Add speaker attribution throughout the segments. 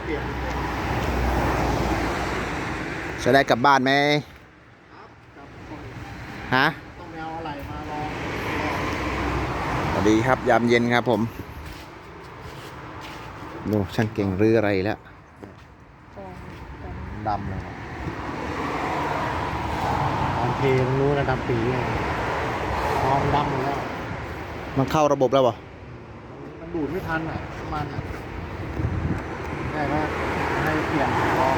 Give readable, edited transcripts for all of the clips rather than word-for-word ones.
Speaker 1: เปลี่ยน
Speaker 2: จะได้กลับบ้านไหม
Speaker 1: ครับกับคน
Speaker 2: ฮะ
Speaker 1: ต้องไปเอาอะไรมาลอง
Speaker 2: สวัสดีครับยามเย็นครับผมดูช่างเก่งรื้ออะไรแล้ว
Speaker 1: ดำเลยตอนเทมันรู้นะดำปีเลยมองดำหมดแล้ว
Speaker 2: มันเข้าระบบแล้วบ่
Speaker 1: มันดูดไม่ทันอ่ะประมาณอ่ะได้ก็ให้เปลี่ยนลอง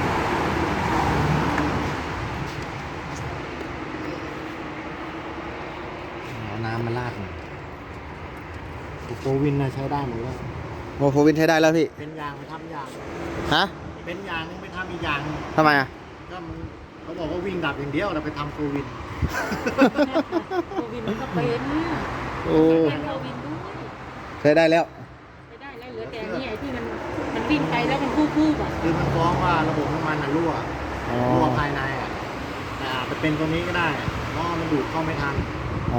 Speaker 1: เอาน้ำมาราดหน่อยโฟวินนะใช้ได้หมดแล้ว
Speaker 2: โมโฟวินใช้ได้แล้วพี่
Speaker 1: เป็นยางไปทำยาง
Speaker 2: ฮะ
Speaker 1: เป็นยางนึงไปทำอีกอย่างนึง
Speaker 2: ทำไมอ่ะ
Speaker 1: ก็มันเขาบอกว่าวิ่งดับอย่างเดียวเราไปทำโฟวิน
Speaker 3: โควิดมันก็เป็น
Speaker 2: โอ้
Speaker 3: แค่โควิดด้วย
Speaker 2: ใช้ได้แล้ว
Speaker 3: ไม่ได้แล้วเหลือแต่นี่ไอ้ที่มันวิ่งไปแล้วมันคู่ๆอ่ะ
Speaker 1: คือมันฟ้องว่าระบบน้ำมันรั่ว
Speaker 2: อ๋อ
Speaker 1: รั่วภายในอ่ะแต่อาจจะเป็นตัวนี้ก็ได้เพราะว่ามันดูดเข้าไม่ทัน
Speaker 2: อ๋อ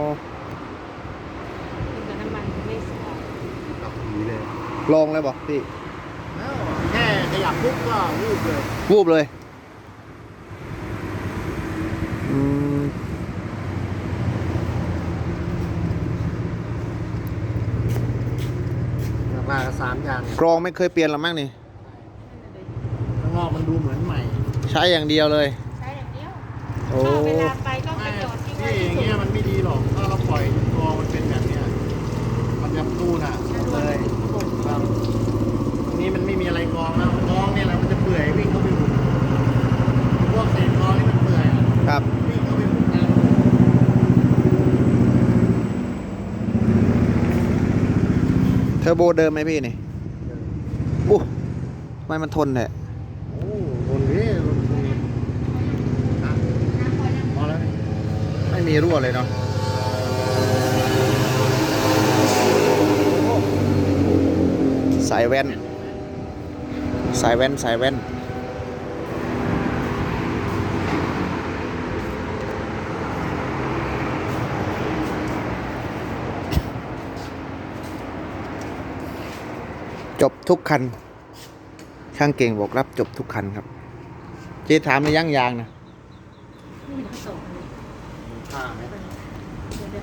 Speaker 3: กินกับน้ำมันไม่สะอาด
Speaker 1: กับผีเลย
Speaker 2: ลองเลยบ่พี่
Speaker 1: แล้วแค่ขยับปุ๊บก็วูบเลย
Speaker 2: วูบเลยอืม
Speaker 1: มากับ3 อย่าง
Speaker 2: กรองไม่เคยเปลี่ยนหรอมั้งนี่
Speaker 1: ข้างนอกมันดูเหมือนใหม่
Speaker 2: ใช้อย่างเดียวเลย
Speaker 3: ใช้อย่างเดียว
Speaker 2: โอ้
Speaker 3: ถ้าเวลาไปก็ไป
Speaker 1: ไม่
Speaker 3: จอดทิ้ง
Speaker 1: ที่
Speaker 3: ไว้
Speaker 1: อ
Speaker 3: ที่
Speaker 1: ย่าง
Speaker 3: สุ
Speaker 1: เงี้ย
Speaker 3: ด
Speaker 1: มันไม่ดีหรอกถ้าเราปล่อยตัวมันเป็นแบบเนี้ยมันจะตู้น่ะเลยครับอันนี้มันไม่มีอะไรกรองแล้วกรองเนี่ยแหละมันจะเปื่อยวิ่งเข้าไปหุบพวกเศษกรองนี่มันเปื่อย
Speaker 2: ครับ
Speaker 1: วิ่งเข้าไปหุบน้ำ
Speaker 2: เทอร์โบเดิมไหมพี่นี่อู้ทำไมมันทนแท้
Speaker 1: โอ้โหคนนี้รถคุณอ่ะพอแล้วนี่
Speaker 2: ไม่มีรั่วเลยเนาะสายแว่น สายแว่น สายแว่น จบทุกคัน ช่างเก่งบอกรับจบทุกคันครับ เจ๊ถามในย่างยางนะ
Speaker 3: นี่มันผสมเลย
Speaker 1: มีค่าไหม
Speaker 3: เดี๋ยว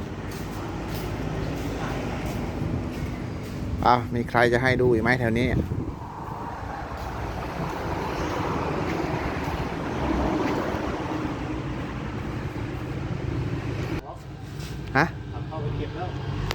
Speaker 2: อ้าวมีใครจะให้ดูอีกไหมแถวนี้ ฮะ
Speaker 1: ขับเข้าไปเก็บแล้ว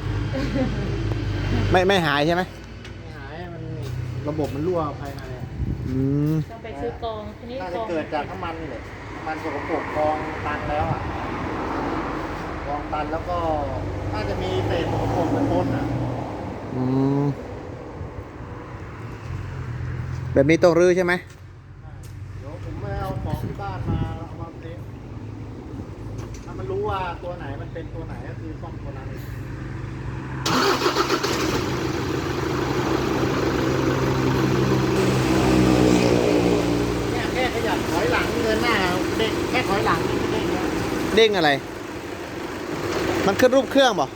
Speaker 2: ไม่หายใช่ไหม
Speaker 1: ไม่หายมันระบบมันรั่วภายในอะ
Speaker 2: อืม
Speaker 3: ต้องไปซื้อกองทีนี้
Speaker 1: น่าก จะ
Speaker 3: อง
Speaker 1: เกิดจากน้ำมันนี่แหละน้ำมันสกปรกกองตันแล้วอ่ะกองตันแล้วก็น่าจะมีเศษสกปรกปนอ่ะ
Speaker 2: อืม แบบนี้ต้องรื้อใช่ไหม
Speaker 1: เดี๋ยวผมไม่เอาของที่บ้านมาเอามาเทสถ้ามันรู้ว่าตัวไหนมันเป็นตัวไหนก็คือซ่อมตัวนั้นเนี่ยแค่ขยับถอยหลังเดินหน้าเด็กแค่ถอยหลังนี่ก็เด้งแล้ว
Speaker 2: เด้งอะไร มันขึ้นรูปเครื่องบ่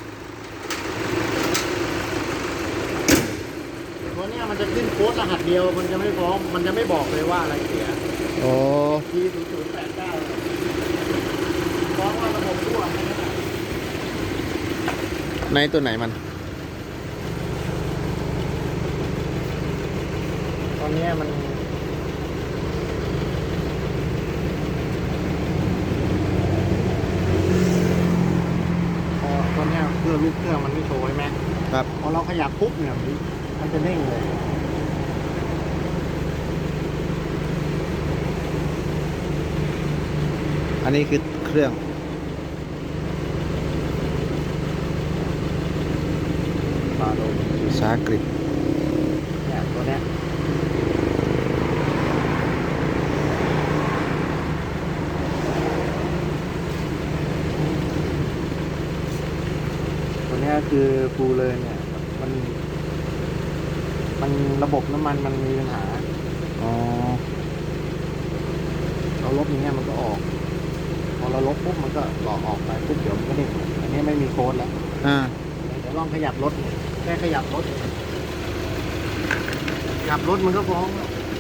Speaker 1: ตัวเนี้ยมันจะขึ้นโค้ดรหัสเดียวมันจะไม่ฟ้องมันจะไม่บอกเลยว่าอะไรเสีย
Speaker 2: โอ้
Speaker 1: ที0089ฟ้องว่าระบบรั่วแค่นั้นแหละ
Speaker 2: ในตัวไหนมัน
Speaker 1: ตอนเนี้ยมันพอตอนเนี้ยเครื่องลูกเครื่องมันไม่โชว์ใช่ไหม
Speaker 2: ครับ
Speaker 1: พอเราขยับปุ๊บเนี่ยมันจะเด้งเลย
Speaker 2: อันนี้คือเครื่อง
Speaker 1: ปาโดน
Speaker 2: ภาษาอังกฤษ
Speaker 1: เนี่ยตัวเนี้ยตัวเนี้ยคือฟูเลยเนี่ยมันระบบน้ำมันมันมีปัญหา
Speaker 2: อ๋อ
Speaker 1: เราลบอย่างเงี้ยมันก็ออก พอเราลบปุ๊บมันก็หลอกออกไปปุ๊บเดี๋ยวมันก็เด้งอันนี้ไม่มีโค้ดแล้ว
Speaker 2: อ่า
Speaker 1: เดี๋ยวลองขยับรถแค่ขยับรถขขับรถมันก็ฟ้อง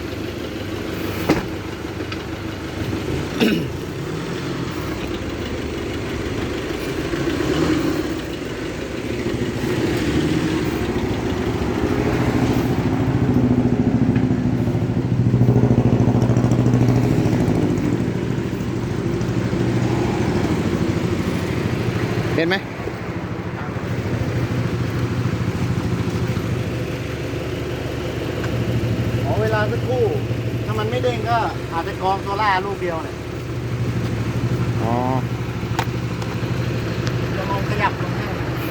Speaker 2: เห็นไหม
Speaker 1: ขอเวลาสักครู่ ถ้ามันไม่เด้งก็อาจจะกองโซล่าลูกเดียวเนี่ย
Speaker 2: อ๋อ
Speaker 1: จะลองขยับลงให้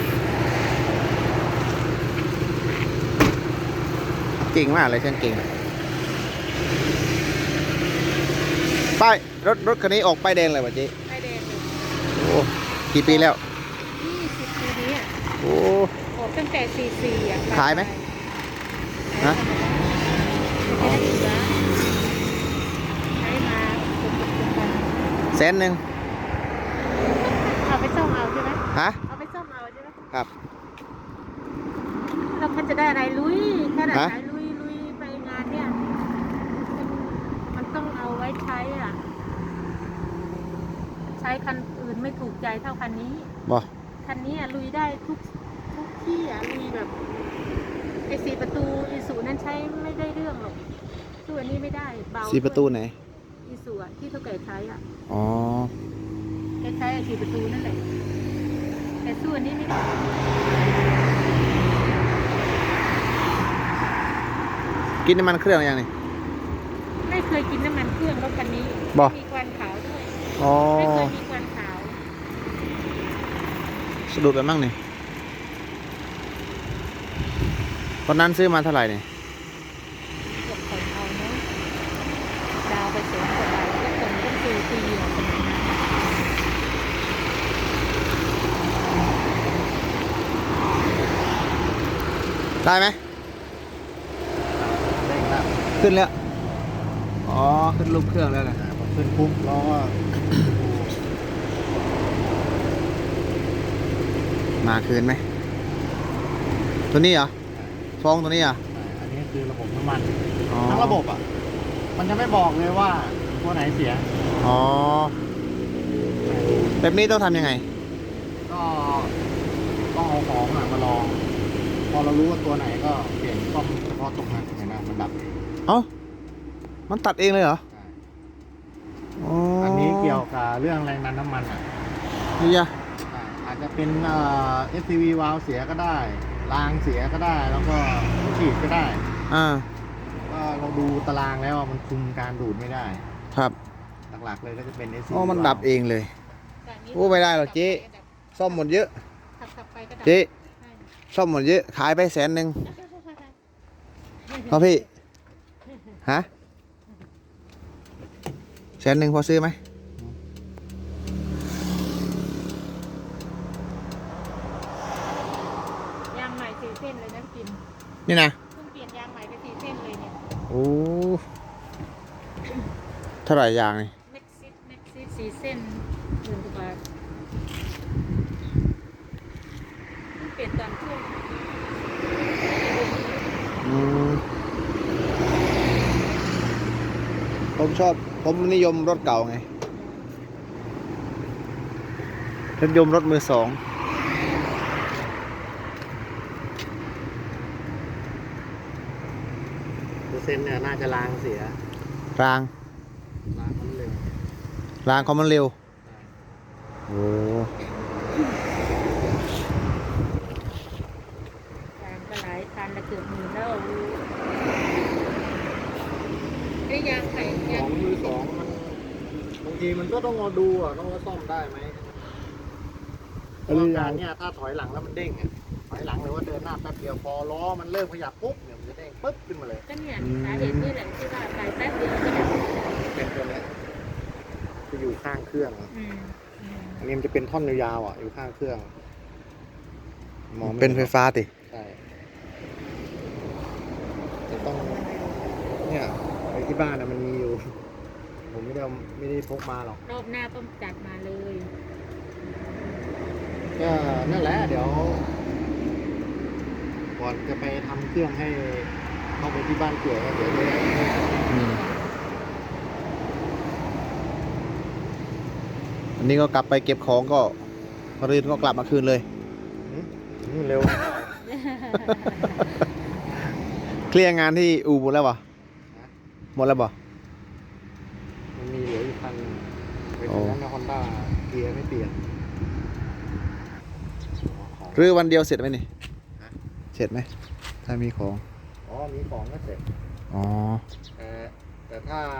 Speaker 2: เก่งมากเลยช่างเก่งป้ายรถคันนี้ออกป้ายแดงเลยป่ะเจ๊
Speaker 3: ไฟแดงเลย
Speaker 2: โอ้กี่ปีแล้ว
Speaker 3: 20 ปีนี้อ่ะ
Speaker 2: โอ้
Speaker 3: ออกตั้งแต่44อ่ะ
Speaker 2: ขายไหม ฮะ
Speaker 3: ไม่ได้เหลือใช้มาเป็น
Speaker 2: 100,000
Speaker 3: เอาไปซ่อมเอาใช่ไหม
Speaker 2: ฮะ
Speaker 3: เอาไปซ่อมเอาใช่ไหม
Speaker 2: ครับ
Speaker 3: เราพันจะได้อะไรลุยขนาด
Speaker 2: ฮะ
Speaker 3: ไหนลุยไปงานเนี่ยมันต้องเอาไว้ใช้อ่ะ ใช้คันอื่นไม่ถูกใจเท่าคันนี้
Speaker 2: บ่
Speaker 3: คันนี้อ่ะลุยได้ทุกที่อ่ะลุยแบบไอ้4 ประตูอีสูนั้นใช้ไม่ได้เรื่องหรอกสู้อันนี้ไม่ได้เบา
Speaker 2: 4 ประตูไหน
Speaker 3: อีสูอ่ะที่เท่าแก่ใช้อ่ะ
Speaker 2: อ๋อ
Speaker 3: แกใช้ไอ้4 ประตูนั่นแหละแต่สู้อันนี้ไม่ได้
Speaker 2: กินน้ำมันเครื่องยังนี่
Speaker 3: ไม่เคยกินน้ำมันเครื่องรถคันนี้
Speaker 2: บ่
Speaker 3: มีควันขาวด้วย
Speaker 2: อ๋อ
Speaker 3: ไม่เคยมีควันขาว
Speaker 2: สะดุดไปมั่งนี่ตอนนั้นซื้อมาเท่าไหร่นี่
Speaker 3: เกือบผ่อนเอาเนาะดาวไปแสนกว่าบาทแล้วผ่อนต้อง4 ปีอ่ะสมัยนั้น
Speaker 2: ได้ไหม
Speaker 1: เด้งแล้ว
Speaker 2: ขึ้นแล้ว อ๋อ ขึ้นรูปเครื่องแล้วนะ
Speaker 1: พอขึ้นปุ๊บล้อก็
Speaker 2: มาคืนไหม ตัวนี้เหรอฟองตัวนี้เหรอ
Speaker 1: อันนี้คือระบบน้ำมัน
Speaker 2: อ๋อ
Speaker 1: ทั้งระบบอ่ะ มันจะไม่บอกเลยว่าตัวไหนเสีย
Speaker 2: อ๋อ แบบนี้ต้องทำยังไง
Speaker 1: ก็ต้องเอาของอะมาลอง พอเรารู้ว่าตัวไหนก็เปลี่ยนซ่อมเฉพาะตรงนั้นเห็นไหมมันดับเอง
Speaker 2: เอ้า มันตัดเองเลยเหรอ
Speaker 1: ใช่
Speaker 2: อ๋อ
Speaker 1: อั
Speaker 2: อั
Speaker 1: นนี้เกี่ยวกับเรื่องแรงดันน้ำมันอ่ะ
Speaker 2: นี่ยะ
Speaker 1: ใช่อาจจะเป็นSCV วาล์วเสียก็ได้รางเสียก็ได้ แล้วก็ฉีดก็ได้
Speaker 2: อ่า
Speaker 1: ก็เราดูตารางแล้วอะมันคุมการดูดไม่ได้
Speaker 2: ครับ
Speaker 1: หลักๆเลยก็จะเป็น SCV
Speaker 2: อ๋อ มันดับเองเลย
Speaker 3: จากนี้
Speaker 2: โอ้ไม่ได้หรอกเจ๊ ซ่อมหมดเยอะ
Speaker 3: ขับไปก็ดับ
Speaker 2: เจ๊
Speaker 3: ใช่
Speaker 2: ซ่อมหมดเยอะ ขายไป100,000พอพี่ ฮะ100,000พอซื้อไหม
Speaker 3: ยางใหม่4 เส้นเลยนะกิน
Speaker 2: นี่นะ
Speaker 3: เพิ่งเปลี่ยนยางใหม่ไป4 เส้นเลยเนี่ย
Speaker 2: โอ้ เท่าไหร่ยางนี่
Speaker 3: เม็กซิส4 เส้น10,000 กว่าบาทเพิ่งเปลี่ยนตอนช่วง
Speaker 2: อืมผมนิยมรถเก่าไงนิยมรถมือ 2
Speaker 1: เปอร์เซ็นต์เนี่ยน่าจะรางเสีย
Speaker 2: ราง
Speaker 1: รางมันเร็ว
Speaker 2: รางเขามันเร็ว โอ้
Speaker 3: ยางก็หลายคันละเกือบ10,000แล้วไอ้ยางไข่
Speaker 1: ข
Speaker 3: ยา
Speaker 1: อง งมือสองมันบางทีมันก็ต้องมาดูอ่ะต้องว่าซ่อมได้ไหมเพราะการเนี่ยถ้าถอยหลังแล้วมันเด้งอ่ะถอยหลังหรือว่าเดินหน้าแป๊บเดียวพอล้อมันเริ่มขยับปุ๊บเนี่ยมันจะเด้งปึ๊บขึ้นมาเลย
Speaker 3: ก็เนี่ยสาเหตุนี่แหละที่ว่าไปแป๊บเดียวก็ดับ
Speaker 1: เป็นตัวเนี้ยจะอยู่ข้างเครื่อง
Speaker 3: อืมอืม
Speaker 1: อันนี้มันจะเป็นท่อนยาวๆอ่ะอยู่ข้างเครื่องมองม่
Speaker 2: เป็นไฟฟ้าติ
Speaker 1: ใช่จะต้องเนี่ยไปที่บ้านนะมันมีอยู่ ผมไม่ได้พกมาหรอก
Speaker 3: รอบหน้าต้องจัดมาเลย
Speaker 1: ก็นั่นแหละเดี๋ยวก่อนจะไปทำเครื่องให้เข้าไปที่บ้านเกี่ยวก็เดี๋ยวจะได้
Speaker 2: อืมอันนี้ก็กลับไปเก็บของก็มะรืนก็กลับมาคืนเลย
Speaker 1: เร็ว
Speaker 2: เคลียร์งานที่อู่หมดแล้วบ่หมดแล้วบ่
Speaker 1: มันมีเหลืออยู่คันเป็น
Speaker 2: โอ้
Speaker 1: นั้นนะฮอนด้าเกียร์ไม่เปลี่ยน
Speaker 2: หรือวันเดียวเสร็จไหมนี่
Speaker 1: ฮะ
Speaker 2: เสร็จไหมถ้ามีของ
Speaker 1: อ๋อมีของก็เสร็จ
Speaker 2: อ๋อ
Speaker 1: แต่ถ้า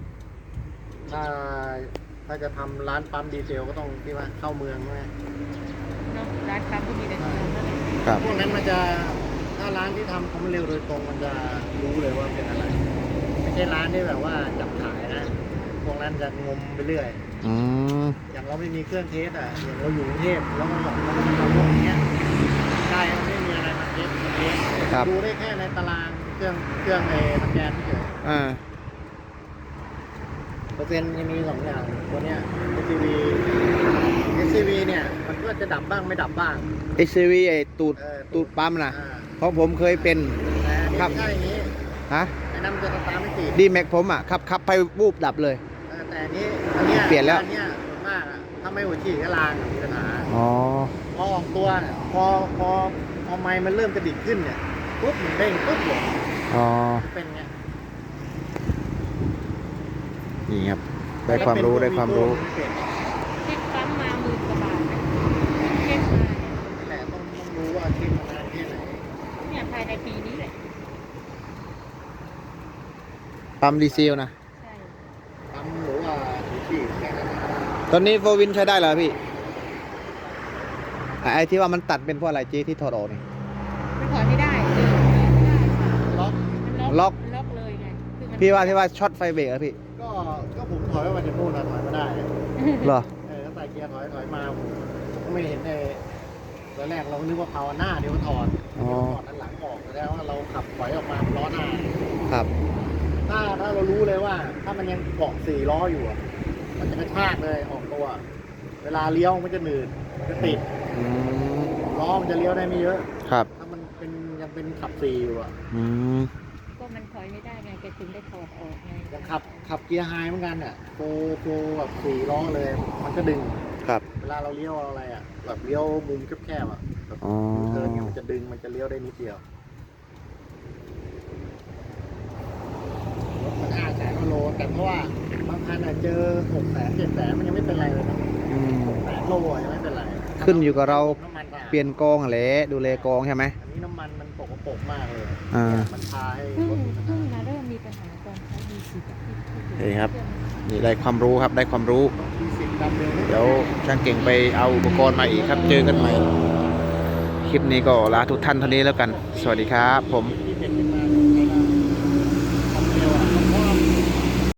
Speaker 1: ถ้าจะทำร้านปั๊มดีเซลก็ต้องที่ว่าเข้าเมืองใช่ไหม
Speaker 3: เนาะร้านค้าพวกนี้เลยนั่นแหละ
Speaker 2: ครับ
Speaker 1: พวกนั้นมันจะถ้าร้านที่ทำความเร็วโดยตรงมันจะรู้เลยว่าเป็นอะไร ไม่ใช่ร้านที่แบบว่าจับขายนะพวกนั้นจะงมไปเรื่อย
Speaker 2: อืม
Speaker 1: อย่างเราไม่มีเครื่องเทสอ่ะอย่างเราอยู่กรุงเทพแล้วก็บอกเราก็ทำพวกเนี้ยใช่มันไม่มีอะไรมาเทสดูได้แค่ในตารางเครื่องในสแกนเฉย
Speaker 2: อ่า
Speaker 1: เปอร์เซ็นต์จะมีสองอย่างตัวเนี้ย SCV เนี่ยมันก็จะดับบ้างไม่ดับบ้าง
Speaker 2: HCV ไอ้ตูด
Speaker 1: เออ
Speaker 2: ตูดปั๊มนะ
Speaker 1: อ่า
Speaker 2: เพราะผมเคยเป็น
Speaker 1: แต่อันนี้
Speaker 2: ครับ
Speaker 1: ไม่ใช่อย่างนี้
Speaker 2: ฮะ
Speaker 1: ไอ้นั่นมันจะสตาร์ทไม่ติด
Speaker 2: ดีแม็กผมอ่ะขับไปวูบดับเลย
Speaker 1: แต่อันเนี้ย
Speaker 2: เปลี่ยนแล้ว
Speaker 1: อันเนี้ยส่วนมากอะถ้าไม่หัวฉีดก็ลางอะมีปัญหา
Speaker 2: อ๋อ
Speaker 1: พอออกตัวเนี่ยพอไม้มันเริ่มกระดิกขึ้นเนี่ยปุ๊บมันเด้งปุ๊บเลย
Speaker 2: อ๋อ
Speaker 1: เป็นไง
Speaker 2: นี่ครับ ได้ความรู้ได้ความรู้
Speaker 1: ไม่เป็น
Speaker 3: เช็คปั๊มมา10,000 กว่าบาทนะเช็คมาเนี่ย
Speaker 1: แต่ต้องรู้ว่าเช็คมานานแค่ไหน
Speaker 3: เนี่ยภายในปีนี้แหละ
Speaker 2: ปั๊มดีเซลนะ
Speaker 3: ใช่
Speaker 1: ทำหรือว่าหัวฉีดแค่นั้นนะ
Speaker 2: ตอนนี้โฟวินใช้ได้เหรอพี่ ไอ้ที่ว่ามันตัดเป็นเพราะอะไรเจ๊ที่ถอดออกนี่
Speaker 3: มันถอยไม่ได้เลยไม่ได้
Speaker 1: ล็อก
Speaker 3: มัน
Speaker 2: ล็อก
Speaker 3: มันล็อกเลยไงคือมัน
Speaker 2: พี่ว่าที่ว่าช็อตไฟเบรกอะพี่
Speaker 1: ก็ผมถอยมาจากนู่นนะถอยมาได้
Speaker 2: เหรอ
Speaker 1: ก็ใส่เกียร์ถอยมาผมก็ไม่เห็นในตอนแรกเรานึกว่าเผาหน้าเดี๋ยวถอด
Speaker 2: อ๋อ
Speaker 1: ถอดด้านหลังออกแสดงว่าเราขับถอยออกมาล้อหน้า
Speaker 2: ครับ
Speaker 1: ถ้าเรารู้เลยว่า ถ้ามันยังเกาะ4 ล้ออยู่อะมันจะกระชากเลยออกตัว เวลาเลี้ยวมันจะหนืดมันจะติด
Speaker 2: อืม
Speaker 1: ล้อมันจะเลี้ยวได้ไม่เยอะ
Speaker 2: ครับ
Speaker 1: ถ้ามันยังเป็นขับ4อยู่อะ
Speaker 2: อืม
Speaker 3: ก็มันถอยไม่ได้ไงแกถึงได้ถอดออกไง
Speaker 1: ยังขับเกียร์ไฮเหมือนกันเนี่ยโปรแบบ4 ล้อเลย มันก็ดึง
Speaker 2: ครับ
Speaker 1: เวลาเราเลี้ยวอะไรอะแบบเลี้ยวมุมแคบๆอะแบบ
Speaker 2: อ๋อ
Speaker 1: เทิร์นเนี่ยมันจะดึงมันจะเลี้ยวได้นิดเดียวรถมัน500,000 โลแต่เพราะว่าบางคันอะเจอ600,000 700,000มันยังไม่เป็นไรเลยนะ
Speaker 2: อืม
Speaker 1: 600,000 โลอะยังไม่เป็นไร
Speaker 2: ขึ้นอยู่กับเรา
Speaker 1: น้ำมันสะอาด
Speaker 2: เปลี่ยนกองแหละดูแลกองใช่ไหม
Speaker 1: อันนี้น้ำมันมันปกปรกมากเลย
Speaker 2: อ่า
Speaker 1: มันพาให้
Speaker 3: เพิ่ง
Speaker 1: รถมีปัญ
Speaker 3: เพิ่
Speaker 1: หาง
Speaker 3: มาเริ่มมีปัญหาตอนใช้ดีสิ
Speaker 2: นี่ครับ นี่ได้ความรู้ครับ ได้ความรู้
Speaker 1: มีสิบดำเร็วไม่
Speaker 2: เดี๋ยวช่างเก่งไปเอาอุปกรณ์มาอีกครับ เจอกันใหม่ คลิปนี้ก็ลาทุกท่านเท่านี้แล้วกัน สวัสดีครับผม